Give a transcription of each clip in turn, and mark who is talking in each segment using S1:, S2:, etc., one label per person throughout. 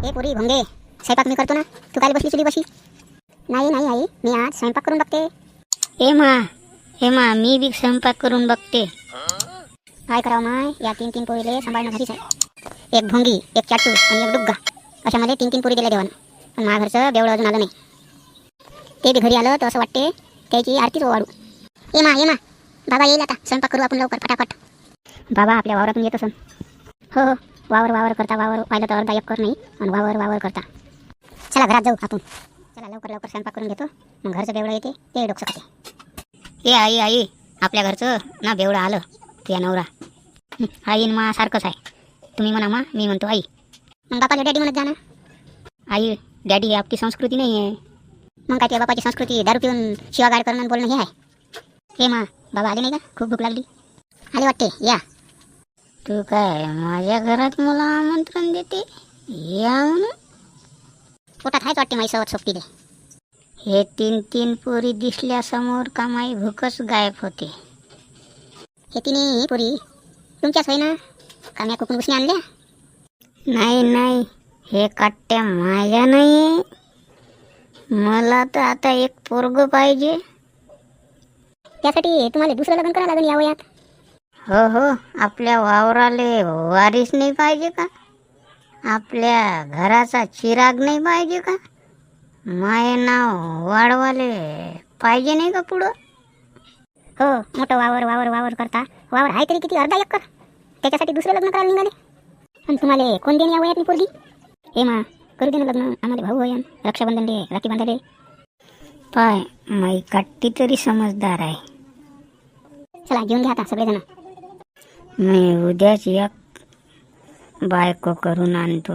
S1: हे पुरी भोंगे, स्वयंपाक मी करतो ना, तू काय बसली चुलीपाशी? नाही नाही आई, मी आज स्वयंपाक करून बघते.
S2: हे मा मी बी स्वयंपाक करून बघते.
S1: काय करावं माय, या तीन तीन पोरीले सांभाळणं घरीच आहे. एक भोंगी, एक चाटू आणि एक डुग्गा, अशा मला तीन तीन पोरी दिल्या देवानं. पण माझ्या घरचं बेवळं अजून आलं नाही. ते बी घरी आलं तर असं वाटते त्याची आरतीच वाढू. ये मा बाबा येईल आता, स्वयंपाक करू आपण लवकर फटाफट. बाबा आपल्या वावरातून येत असन. हो हो, वावर करता, वावर पाहिलं तर अर्धा एकर नाही आणि वावर करता. चला घरात जाऊ आपण. चला लवकर स्वयंपाक करून घेतो, मग घरचं बेवळं येते ते डोकं खाते.
S2: ए आई आपल्या घरचं ना बेवडं आलं तुझ्या नवरा. आई न मा सारखंच आहे. तुम्ही म्हणा मा, मी म्हणतो आई.
S1: मग बापाला डॅडी म्हणत जा ना.
S2: आई डॅडी ही आपली संस्कृती नाही आहे.
S1: मग काय, त्या बापाची संस्कृती दारू पिऊन शिवागाड करणं बोलणं हे आहे. हे मा बाबा आले नाही का? खूप भूक लागली. आले वाटते, या.
S2: तू काय माझ्या घरात मला आमंत्रण देते या म्हणून?
S1: पोटात हायच वाटते माई सवत सोबतीले.
S2: हे तीन तीन पोरी दिसल्यासमोर का माई भूकच गायब होते.
S1: हे तिन्ही पोरी तुमच्याच होय ना? का म्या कुकून उसने आणल्या?
S2: नाही हे काट्या माझ्या नाही. मला तर आता एक पोरग पाहिजे.
S1: त्यासाठी तुम्हाला दुसरं लग्न करावं लागेल या वयात.
S2: हो आपल्या वावराले वारीस नाही पाहिजे का? आपल्या घराचा चिराग नाही पाहिजे का? माय नाव वाढवाले पाहिजे नाही का पुढं?
S1: हो, मोठं वावर करता. वावर आहे तरी किती, अर्धा एकर. त्याच्यासाठी दुसरं लग्न करायला निघाले. आणि तुम्हाला कोण देणे या वयात मी पोरगी? हे मा करू दे ना लग्न, आम्हाला भाऊ होय, रक्षाबंधन दे, राखी बांधाले.
S2: पाय माई काट्टी तरी समजदार आहे.
S1: चला घेऊन घ्या आता सगळेजण.
S2: मी उद्याच एक बायको करून आणतो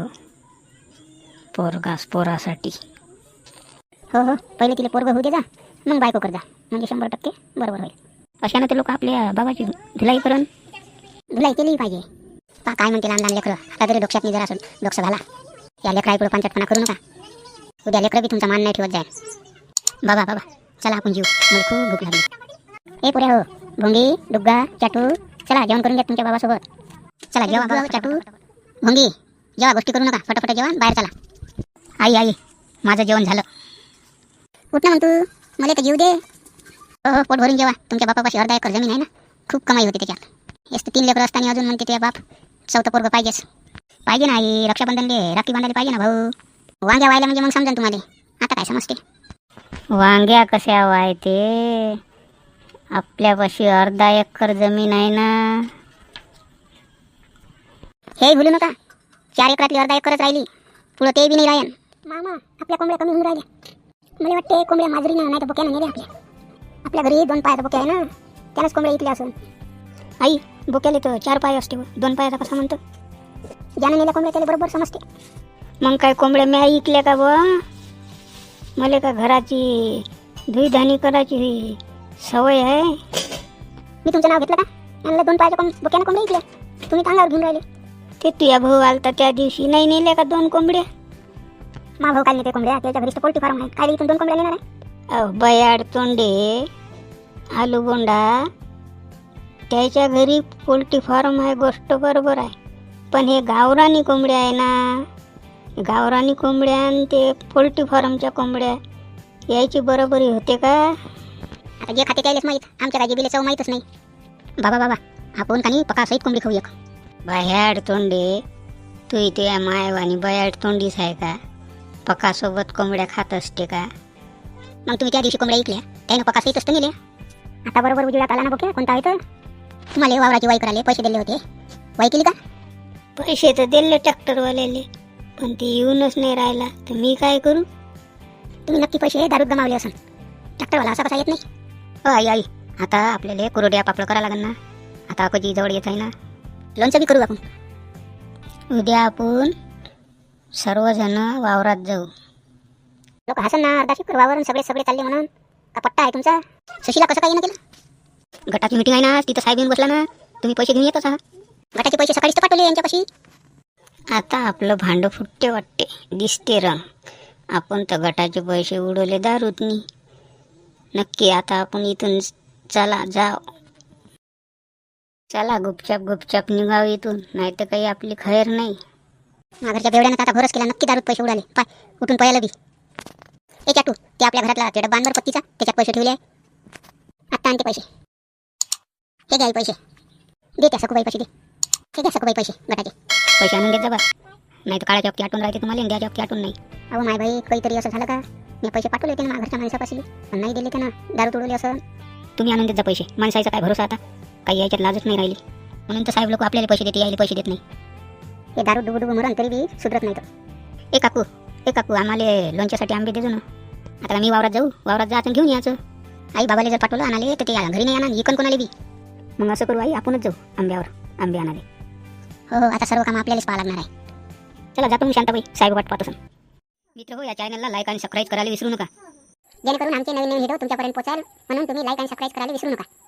S2: पोरासाठी.
S1: हो पहिले तिला पोरग होऊ दे जा, मग बायको कर जा, म्हणजे 100% बरोबर होईल.
S2: अशानं ते लोक आपल्या बाबाची धुलाई
S1: केली पाहिजे. काय म्हणते लहान लेकरं, आता तरी डोक्यात जरा असून डोक्स घाला. या लेकराईकडे पंचटपणा करू नका. उद्या लेकरं बी तुमचा मान नाही ठेवत जाईल. बाबा चला आपण जीव, मला खूप भूक लागली. हे पुऱ्या हो, भोंगी, डुग्गा, चाटू, चला जेवण करून घ्या तुमच्या बाबासोबत. चला जेवा बाबा, चाटू, भोंगी, जेवा, गोष्टी करू नका, फटाफट जेवा, बाहेर चला.
S2: आई माझं जेवण झालं.
S1: उठ ना म्हणतो, मला तर जीव दे. हो पोट भरून जेवा. तुमच्या बापापाशी अर्धा एकर जमीन आहे ना, खूप कमाई होते त्याच्यात. हेच 3 लेकरं असताना अजून म्हणते ते बाप चौथं पोरगं पाहिजे ना आई. रक्षाबंधन दे, राखी बांधायला पाहिजे ना भाऊ. वांग्या व्हायला म्हणजे मग समजा तुम्हाला. आता काय समजते?
S2: वांग्या कशा व्हायते? आपल्यापाशी अर्धा एकर जमीन आहे ना.
S1: हे भूलू नका, 4 एकरातली अर्धा एकरच राहिली, पुढं ते बी नाही राहीन. मामा आपल्या कोंबड्या कमी होऊन राहिल्या. मला वाटते कोंबड्या माजरीनं नाही तर बोक्यानं नेल्या. आपल्या घरी 2 पायाचा बोक्या आहे ना, त्यालाच कोंबड्या इकल्या असून.
S2: आई बोक्याले तर 4 पाय असते, 2 पायाचा कसा म्हणतो?
S1: ज्यानं नेल्या कोंबड्या त्याला बरोबर समजते.
S2: मग काय कोंबड्या मी ऐकल्या का बुवा? मला का घराची धुईधानी करायची सवय आहे?
S1: मी तुमचं नाव घेतलं का? यांना 2 पायाच्या बोक्यानं कोंबड्या इकल्या, तुम्ही अंगावर घेऊन राहिले.
S2: ते तुझ्या भाऊ आलता त्या दिवशी, नाही नेल्या का 2 कोंबड्या?
S1: मा भाऊ काय नेते कोंबड्या? त्याच्या घरीच पोल्ट्री फार्म आहे, काय इथून 2 कोंबड्या नेणार आहे?
S2: बयाड तोंडे आलूगोंडा, त्याच्या घरी पोल्ट्री फार्म आहे, गोष्ट बरोबर आहे. पण हे गावरानी कोंबड्या आहे ना, गावरानी कोंबड्या आणि ते पोल्ट्री फार्मच्या कोंबड्या यायची बरोबरी होते का?
S1: आता जे खाते त्यालाच माहीत, आमच्या काय जिबीला चव माहीतच नाही. बाबा आपण काही पकासहित कोंबडी खाऊ एक.
S2: बयाड तोंडे, तू इथे मायवानी बयाड तोंडीच आहे का? पकासोबत कोंबड्या खात असते का?
S1: मग तुम्ही त्या दिवशी कोंबड्या ऐकल्या, त्यानं पकासहित असतं नेल्या. आता बरोबर उजेडात आला ना बोक्या, कोणता आहे तर? तुम्हाला वावराची वाई करायला पैसे दिले होते, वाई केली का?
S2: पैसे तर दिले ट्रॅक्टरवाल्याले, पण ते येऊनच नाही राहिला, तर मी काय करू?
S1: तुम्ही नक्की पैसे दारूत गमावले असन. ट्रॅक्टरवाला असा कसा येत नाही?
S2: आई आता आपल्याला कुरड्या पापड करायला लागेल ना. आता अकोजी जवळ येत आहे ना,
S1: लोणचं बी करू आपण.
S2: उद्या आपण सर्वजण वावरात जाऊ.
S1: लोक हसन ना, अर्धा शिकर वावरून सगळे चालले म्हणून. का पट्टा आहे तुमचा? सुशीला कसं काही ना केलं?
S2: गटाची मीटिंग आहे ना, तिथं साहेब येऊन बसला ना, तुम्ही पैसे घेऊन येतच आहात.
S1: गटाचे पैसे सकाळीच तर पाठवले यांच्यापाशी.
S2: आता आपलं भांडं फुटते वाटते, दिसते रंग. आपण तर गटाचे पैसे उडवले दारूतनी. नक्की आता आपण इथून चला गुपचाप निघाव इथून, नाही तर काही आपली खैर नाही.
S1: माझ्या घरच्या बेवड्यानं तर आता भरोस केला, नक्की दारूत पैसे उडाले. पाय उठून पळायला बी. ए चाटू, ते आपल्या घरातला ते डब्बा आणवर पत्तीचा, त्याच्यात पैसे ठेवले आहे. आत्ता आणते पैसे. हे घ्या पैसे. दे त्या सखूबाई पैसे दे. हे घ्या सखूबाई पैसे गटाचे. पैसे आणून देत जा बा. नाही तर काळाच्या हप्ते आटून राहते तुम्हाला, इंडियाच्या हप्ते आटून नाही. अहो माय बाई, काहीतरी असं झालं का? मी पैसे पाठवले होते ना माझ्या घरच्या माणसापाशी, पण नाही दिले त्यांना, दारू तोडवली असं. तुम्ही आणून देत जा पैसे. माणसाचा काय भरोसा आता, काही याच्यात लाजच नाही राहिली. म्हणून तर साहेब लोक आपल्याला पैसे देते, यायला पैसे देत नाही. हे दारू डुबू मरण तरी बी सुधरत नाही तर. ए काकू आम्हाला लोणच्यासाठी आंबे देजो ना. आता मी वावरात जाऊ, वावरात जायचं घेऊन यायचं. आई बाबाला जर पाठवलं आणाले तर ते घरी नाही आणा, इकन कोणाला बी. मग असं करू आई, आपणच जाऊ आंब्यावर, आंबे आणाले. हो आता सर्व काम आपल्यालाच पाहा लागणार आहे. चला जातो मग शांताबाई, साहेब वाट पाहतो. मित्र हो, या चॅनलला लाईक आणि सबस्क्राईब करायला विसरू नका, जेणेकरून आमचे नवीन व्हिडिओ तुमच्यापर्यंत पोहोचाल. म्हणून तुम्ही लाईक आणि सबस्क्राईब करायला विसरू नका.